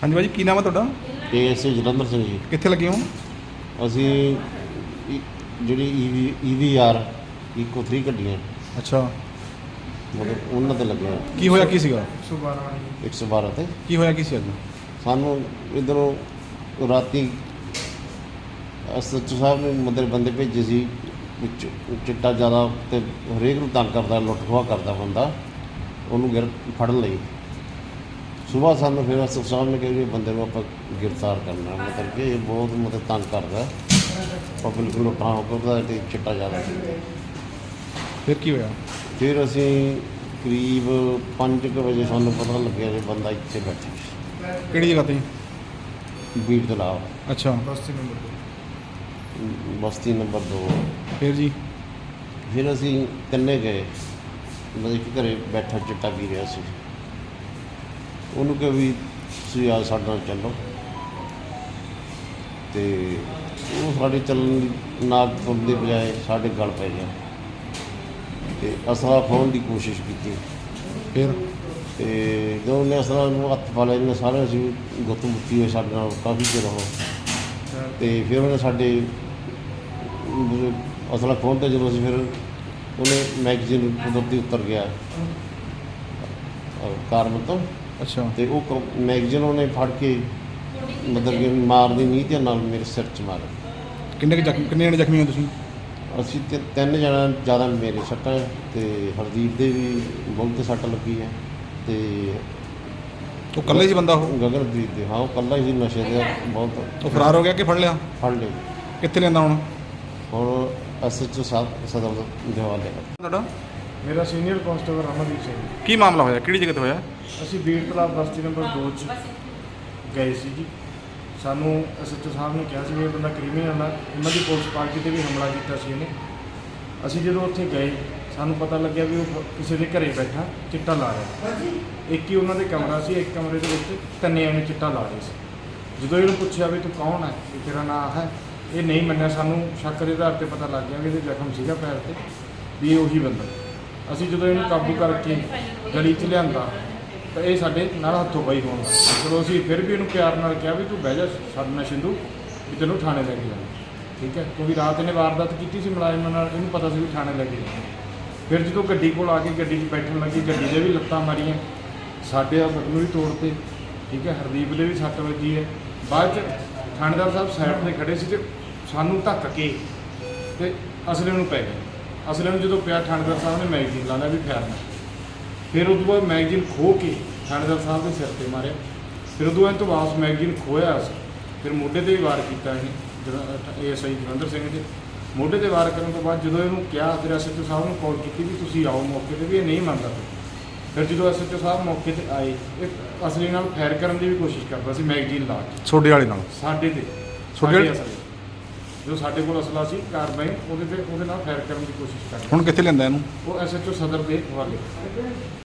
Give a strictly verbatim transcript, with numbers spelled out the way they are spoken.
हाँ जी भाई की नाम है तुहाडा? A S I Jalandhar Singh ji. कित्थे लगे हो? ਅਸੀਂ ਜਿਹੜੀ ਈਵੀ ਈਵੀ ਆਰ ਇਕੋ थ्री ਗੱਡੀਆਂ अच्छा ਮਤਲਬ ਉਹਨਾਂ ਤੇ ਲੱਗੇ ਆ की होया की सीगा? ਇੱਕ ਸੌ ਬਾਰਾਂ ਤੇ। की होया की सी अज? ਸਾਨੂੰ ਇੱਧਰੋਂ ਰਾਤੀ ਐਸ ਐਚ ਓ ਸਾਹਿਬ ਨੇ ਮਤਲਬ ਬੰਦੇ ਭੇਜੇ ਸੀ ਵਿੱਚ ਚਿੱਟਾ ਜ਼ਿਆਦਾ ਤੇ ਹਰੇਕ ਨੂੰ ਤੰਗ ਕਰਦਾ, ਲੁੱਟ ਖੋਹ ਕਰਦਾ ਬੰਦਾ, ਉਹਨੂੰ ਗਿਰ ਫੜਨ ਲਈ ਸੁਬਾਹ ਸਾਨੂੰ ਫਿਰ ਐਸ ਐਚ ਓ ਸਾਹਿਬ ਨੇ ਕਿਹਾ ਵੀ ਬੰਦੇ ਨੂੰ ਆਪਾਂ ਗ੍ਰਿਫਤਾਰ ਕਰਨਾ, ਮਤਲਬ ਕਿ ਇਹ ਬਹੁਤ ਮਤਲਬ ਤੰਗ ਕਰਦਾ ਪਬਲਿਕ ਨੂੰ, ਲੁੱਟਾਂ ਕਰਦਾ ਤੇ ਚਿੱਟਾ ਜ਼ਿਆਦਾ। फिर की होया? ਫਿਰ ਅਸੀਂ ਕਰੀਬ ਪੰਜ ਕੁ ਵਜੇ ਸਾਨੂੰ ਪਤਾ ਲੱਗਿਆ ਕਿ ਬੰਦਾ ਇੱਥੇ ਬੈਠਾ ਸੀ किहड़ी जगह ते? ਬੀੜ ਤਲਾਬ अच्छा ਬਸਤੀ ਨੰਬਰ ਦੋ। फिर जी? ਫਿਰ ਅਸੀਂ ਤਿੰਨੇ ਗਏ, ਮਤਲਬ ਕਿ ਘਰੇ ਬੈਠਾ ਚਿੱਟਾ ਪੀ ਰਿਹਾ ਸੀ, ਉਹਨੂੰ ਕਿਹਾ ਵੀ ਤੁਸੀਂ ਆ ਸਾਡੇ ਨਾਲ ਚੱਲੋ, ਤੇ ਉਹ ਸਾਡੇ ਚੱਲਣ ਦੀ ਨਾਲ ਤੁਰਨ ਦੀ ਬਜਾਏ ਸਾਡੇ ਗਲ ਪੈ ਗਿਆ ਤੇ ਅਸਲਾ ਖੋਹਣ ਦੀ ਕੋਸ਼ਿਸ਼ ਕੀਤੀ। फिर ਤੇ ਜਦੋਂ ਉਹਨੇ ਅਸਲਾ ਨੂੰ ਹੱਥ ਪਾ ਲਿਆ, ਇਹਨੇ ਸਾਰੇ ਅਸੀਂ ਗੁੱਤ ਮੁੱਤੀ ਹੋਏ ਸਾਡੇ ਨਾਲ ਕਾਫੀ ਚਿਰ ਉਹ, ਤੇ ਫਿਰ ਉਹਨੇ ਸਾਡੇ ਅਸਲਾ ਖੋਹਣ ਤੇ ਜਦੋਂ ਅਸੀਂ ਫਿਰ ਉਹਨੇ ਮੈਗਜ਼ੀਨ ਕੁਦਰਤੀ ਉੱਤਰ ਗਿਆ ਕਾਰ ਤੋਂ, अच्छा ਤੇ ਉਹ ਮੈਗਜ਼ੀਨ ਉਹਨੇ ਫੜ ਕੇ ਮਤਲਬ ਕਿ ਮਾਰਦੀ ਨਹੀਂ ਤੇ ਨਾਲ ਮੇਰੇ ਸਿਰ 'ਚ ਮਾਰਿਆ। किन्ने के जख्मी किन्ने जने जख्मी हो तुसीं? ਅਸੀਂ ਤੇ ਤਿੰਨ ਜਣਾ ਜ਼ਿਆਦਾ ਮੇਰੇ ਸੱਟਾਂ ਹੈ ਤੇ ਹਰਦੀਪ ਦੇ ਵੀ ਬਹੁਤ ਸੱਟ ਲੱਗੀ ਹੈ ਤੇ तो कल्ले ही बंदा हो? ਗਗਨਪ੍ਰੀਤ ਦੇ, ਹਾਂ ਉਹ ਇਕੱਲਾ ਹੀ ਸੀ, ਨਸ਼ੇ ਦੇ ਬਹੁਤ तो फरार हो गया कि फड़ लिया? ਫੜ ਲਏ। कित्थे लेंदा हुण? ਹੁਣ ਐਸ ਐਚ ਓ ਸਾਹਿਬ ਸਦਰ ਦੇ ਹਵਾਲੇ ਕਰ। तुहाडा मेरा सीनियर कांस्टेबल अमरदीप सिंह। की मामला होया? किहड़ी जगह ते होया? ਅਸੀਂ ਬੀੜ ਤਲਾਬ ਬਸਤੀ ਨੰਬਰ ਦੋ 'ਚ ਗਏ ਸੀ ਜੀ। ਸਾਨੂੰ ਐਸ ਐਚ ਓ ਸਾਹਿਬ ਨੇ ਕਿਹਾ ਸੀ ਵੀ ਇਹ ਬੰਦਾ ਕ੍ਰਿਮੀਨਲ ਆ, ਉਹਨਾਂ ਦੀ ਪੁਲਿਸ ਪਾਰਟੀ 'ਤੇ ਵੀ ਹਮਲਾ ਕੀਤਾ ਸੀ ਇਹਨੇ। ਅਸੀਂ ਜਦੋਂ ਉੱਥੇ ਗਏ ਸਾਨੂੰ ਪਤਾ ਲੱਗਿਆ ਵੀ ਉਹ ਕਿਸੇ ਦੇ ਘਰੇ ਬੈਠਾ ਚਿੱਟਾ ਲਾ ਰਿਹਾ। ਇੱਕ ਹੀ ਉਹਨਾਂ ਦੇ ਕਮਰਾ ਸੀ, ਇੱਕ ਕਮਰੇ ਦੇ ਵਿੱਚ ਤਿੰਨੇ ਐਵੇਂ ਚਿੱਟਾ ਲਾ ਰਹੇ ਸੀ। ਜਦੋਂ ਇਹਨੂੰ ਪੁੱਛਿਆ ਵੀ ਤੂੰ ਕੌਣ ਹੈ, ਵੀ ਤੇਰਾ ਨਾਂ ਹੈ, ਇਹ ਨਹੀਂ ਮੰਨਿਆ। ਸਾਨੂੰ ਸ਼ੱਕ ਦੇ ਆਧਾਰ 'ਤੇ ਪਤਾ ਲੱਗ ਗਿਆ ਵੀ ਇਹਦੇ ਜ਼ਖਮ ਸੀਗਾ ਪੈਰ 'ਤੇ, ਵੀ ਇਹ ਉਹੀ ਬੰਦਾ। ਅਸੀਂ ਜਦੋਂ ਇਹਨੂੰ ਕਾਬੂ ਕਰਕੇ ਗਲੀ 'ਚ ਲਿਆਂਦਾ ਤਾਂ ਇਹ ਸਾਡੇ ਨਾਲ ਹੱਥੋਂ ਪਾਈ ਹੋਣ ਲੱਗਾ। ਚਲੋ ਅਸੀਂ ਫਿਰ ਵੀ ਇਹਨੂੰ ਪਿਆਰ ਨਾਲ ਕਿਹਾ ਵੀ ਤੂੰ ਬਹਿ ਜਾ ਸਾਡੇ ਨਾਲ ਸਿੰਧੂ, ਵੀ ਤੈਨੂੰ ਥਾਣੇ ਲੈ ਕੇ ਜਾਣਾ, ਠੀਕ ਹੈ, ਕਿਉਂਕਿ ਰਾਤ ਇਹਨੇ ਵਾਰਦਾਤ ਕੀਤੀ ਸੀ ਮੁਲਾਜ਼ਮਾਂ ਨਾਲ, ਇਹਨੂੰ ਪਤਾ ਸੀ ਵੀ ਥਾਣੇ ਲੈ ਕੇ ਜਾਣਾ। ਫਿਰ ਜਦੋਂ ਗੱਡੀ ਕੋਲ ਆ ਕੇ ਗੱਡੀ 'ਚ ਬੈਠਣ ਲੱਗੀ, ਗੱਡੀ ਦੇ ਵੀ ਲੱਤਾਂ ਮਾਰੀਆਂ, ਸਾਡੇ ਆ ਬਟਨ ਵੀ ਤੋੜਤੇ, ਠੀਕ ਹੈ, ਹਰਦੀਪ ਦੇ ਵੀ ਸੱਟ ਵੱਜੀ ਹੈ। ਬਾਅਦ 'ਚ ਥਾਣੇਦਾਰ ਸਾਹਿਬ ਸਾਈਡ 'ਤੇ ਖੜੇ ਸੀ ਤੇ ਸਾਨੂੰ ਧੱਕ ਕੇ ਤੇ ਅਸਲੇ ਨੂੰ ਪੈ ਗਏ। ਅਸਲੇ ਨੂੰ ਜਦੋਂ ਪਿਆ ਥਾਣੇਦਾਰ ਸਾਹਿਬ ਨੇ ਮੈਗਜ਼ੀਨ ਲਾ ਲਿਆ ਵੀ ਫੈਰਨਾ। ਫਿਰ ਉਦੋਂ ਬਾਅਦ ਮੈਗਜ਼ੀਨ ਖੋਹ ਕੇ ਥਾਣੇਦਾਰ ਸਾਹਿਬ ਦੇ ਸਿਰ 'ਤੇ ਮਾਰਿਆ। ਫਿਰ ਉਦੋਂ ਇਹ ਤੋਂ ਵਾਪਸ ਮੈਗਜ਼ੀਨ ਖੋਇਆ ਸੀ, ਫਿਰ ਮੋਢੇ 'ਤੇ ਵੀ ਵਾਰ ਕੀਤਾ ਇਹਨੇ, A S I Jalandhar Singh ਦੇ ਮੋਢੇ 'ਤੇ ਵਾਰ ਕਰਨ ਤੋਂ ਬਾਅਦ ਜਦੋਂ ਇਹਨੂੰ ਕਿਹਾ, ਫਿਰ ਐਸ ਐਚ ਓ ਸਾਹਿਬ ਨੂੰ ਕਾਲ ਕੀਤੀ ਵੀ ਤੁਸੀਂ ਆਓ ਮੌਕੇ 'ਤੇ, ਵੀ ਇਹ ਨਹੀਂ ਮੰਨਦਾ। ਫਿਰ ਜਦੋਂ ਐਸ ਐਚ ਓ ਸਾਹਿਬ ਮੌਕੇ 'ਤੇ ਆਏ, ਇਹ ਅਸਲੀ ਨਾਲ ਫਾਇਰ ਕਰਨ ਦੀ ਵੀ ਕੋਸ਼ਿਸ਼ ਕਰਦਾ ਸੀ ਮੈਗਜ਼ੀਨ ਲਾ ਕੇ ਛੋਡੇ ਵਾਲੇ ਨਾਲ? ਸਾਡੇ 'ਤੇ ਤੁਹਾਡੇ ਸਾਡੇ ਅਸਲੇ ਜੋ ਸਾਡੇ ਕੋਲ ਅਸਲਾ ਸੀ ਕਾਰਵਾਈ, ਉਹਦੇ 'ਤੇ ਉਹਦੇ ਨਾਲ ਫਾਇਰ ਕਰਨ ਦੀ ਕੋਸ਼ਿਸ਼ ਕਰਦਾ। ਹੁਣ ਕਿੱਥੇ ਲੈਂਦਾ ਇਹਨੂੰ? ਉਹ ਐਸ ਐਚ ਓ ਸਦਰ ਦੇ ਹਵਾਲੇ।